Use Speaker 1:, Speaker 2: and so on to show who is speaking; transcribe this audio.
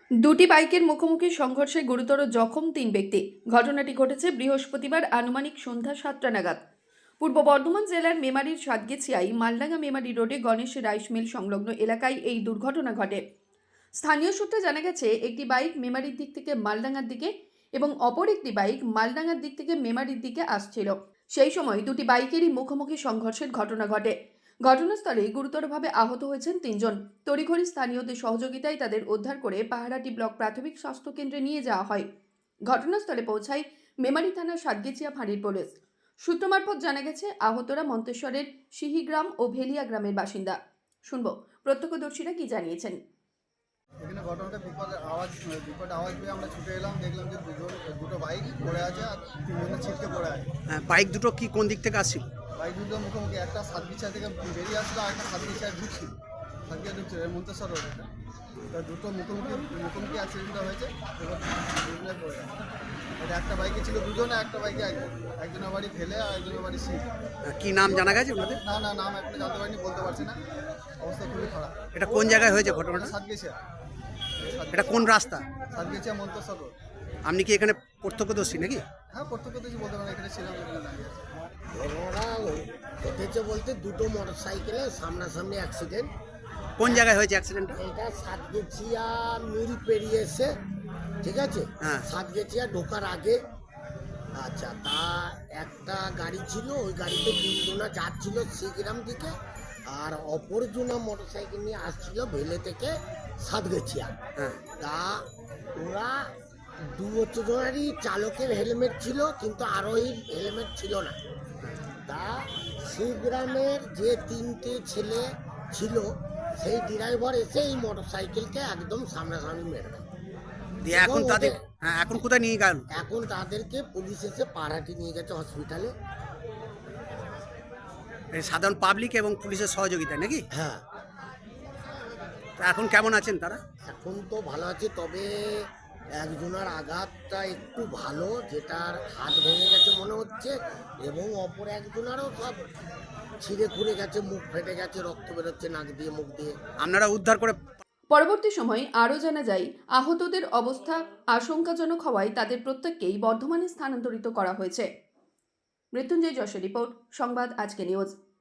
Speaker 1: দুটি বাইকের মুখোমুখি সংঘর্ষে গুরুতর জখম ৩ ব্যক্তি। ঘটনাটি ঘটেছে বৃহস্পতিবার আনুমানিক সন্ধ্যা ৭টা নাগাদ পূর্ব বর্ধমান জেলার মেমারির সাতগেছিয়ায় মালডাঙ্গা মেমারি রোডে গণেশ রাইস মিল সংলগ্ন এলাকায় এই দুর্ঘটনা ঘটে। স্থানীয় সূত্রে জানা গেছে, একটি বাইক মেমারির দিক থেকে মালডাঙ্গার দিকে এবং অপর একটি বাইক মালডাঙ্গার দিক থেকে মেমারির দিকে আসছিল। সেই সময় দুটি বাইকেরই মুখোমুখি সংঘর্ষের ঘটনা ঘটে। ঘটনাস্থলে গুরুতরভাবে আহত হয়েছেন ৩ জন। তড়িঘড়ি স্থানীয়দের সহযোগিতায় তাদের উদ্ধার করে পাহারাটি ব্লক প্রাথমিক স্বাস্থ্য কেন্দ্রে নিয়ে যাওয়া হয়। ঘটনাস্থলে পৌঁছায় মেমারি থানার সাতগেছিয়া ফাঁড়ির পুলিশ। সূত্র মারফত জানা গেছে, আহতরা মন্তেশ্বরের সিহিগ্রাম ও ভেলিয়া গ্রামের বাসিন্দা। শুনব প্রত্যক্ষদর্শীরা কি জানিয়েছেন।
Speaker 2: এখানে ঘটনাটা বিকট আওয়াজ পেয়ে আমরা ছুটে এলাম, দেখলাম যে দুটো বাইক পড়ে আছে আর তিনজনের ছিটকে পড়ে আছে।
Speaker 3: বাইক দুটো কি কোন দিক থেকে আসছিল?
Speaker 2: বাইক দুটো মুখোমুখি, একটা সাতগিছা থেকে বেরিয়ে আসলো আর একটা সাতগিছায় ঢুকছিল, সাতগিছা ঢুকছিল মন্তেশ্বর রোড। তা দুটো মুখোমুখি অ্যাক্সিডেন্টটা হয়েছে। এবার দুজনে পড়ে আছে। এটা একটা বাইকে ছিল দুজনে, একটা বাইকে একজনের বাড়ি ফেলে আর একজনের বাড়ি সিট।
Speaker 3: কি নাম জানা গেছে ওনাদের?
Speaker 2: না নাম এখনো জানতে পারিনি, বলতে পারছি না। অবস্থা খুবই খারাপ।
Speaker 3: এটা কোন জায়গায় হয়েছে ঘটনাটা?
Speaker 2: সাতগিছা,
Speaker 3: এটা কোন রাস্তা?
Speaker 2: সাতগিছা মন্তেশ্বর রোড।
Speaker 3: আপনি কি এখানে প্রত্যক্ষদর্শী নাকি?
Speaker 2: হ্যাঁ, প্রত্যক্ষদর্শী বলতে পারেন, এখানে ছিলাম, এখানে দাঁড়িয়ে আছে।
Speaker 4: ঘটনাটা ঘটেছে বলতে দুটো মোটরসাইকেলে সামনাসামনি অ্যাক্সিডেন্ট।
Speaker 3: কোন জায়গায় হয়েছে অ্যাক্সিডেন্টটা?
Speaker 4: এটা সাতগেছিয়া মিল পেরিয়ে এসে, ঠিক আছে,
Speaker 3: হ্যাঁ।
Speaker 4: সাতগেছিয়া ঢোকার আগে। আচ্ছা, তা একটা গাড়ি ছিল, ওই গাড়িতে তিনজনা যাচ্ছিল শ্রীগ্রাম দিকে, আর অপরজনা মোটরসাইকেল নিয়ে আসছিল ভেলে থেকে সাতগেছিয়া।
Speaker 3: হ্যাঁ।
Speaker 4: তা ওরা দুজনেরই চালকের হেলমেট ছিল, কিন্তু আরোহীর হেলমেট ছিল না। তা শ্রীগ্রামের যে তিনটে ছেলে ছিল, সেই ড্রাইভার এসে এই মোটরসাইকেলকে একদম সামনাসামনি মেরে দেয়।
Speaker 3: দিয়ে এখন তাদের এখন কোথায় নিয়ে গেল?
Speaker 4: এখন তাদেরকে পুলিশ এসে পাড়াটি নিয়ে গেছে হসপিটালে।
Speaker 3: সাধারণ পাবলিক এবং পুলিশের সহযোগিতা নাকি?
Speaker 4: হ্যাঁ,
Speaker 3: তা এখন কেমন আছেন তারা?
Speaker 4: এখন তো ভালো আছে, তবে একজনের আঘাতটা একটু ভালো, যেটার হাত ভেঙে গেছে মনে হচ্ছে, এবং অপর একজনেরও সব ছিঁড়ে খুঁড়ে গেছে, মুখ ফেটে গেছে, রক্ত বেরোচ্ছে নাক দিয়ে মুখ দিয়ে।
Speaker 3: আপনারা উদ্ধার করে
Speaker 1: পরবর্তী সময়ে আরও জানা যায়, আহতদের অবস্থা আশঙ্কাজনক হওয়ায় তাদের প্রত্যেককেই বর্ধমানে স্থানান্তরিত করা হয়েছে। মৃত্যুঞ্জয় যশের রিপোর্ট, সংবাদ আজকে নিউজ।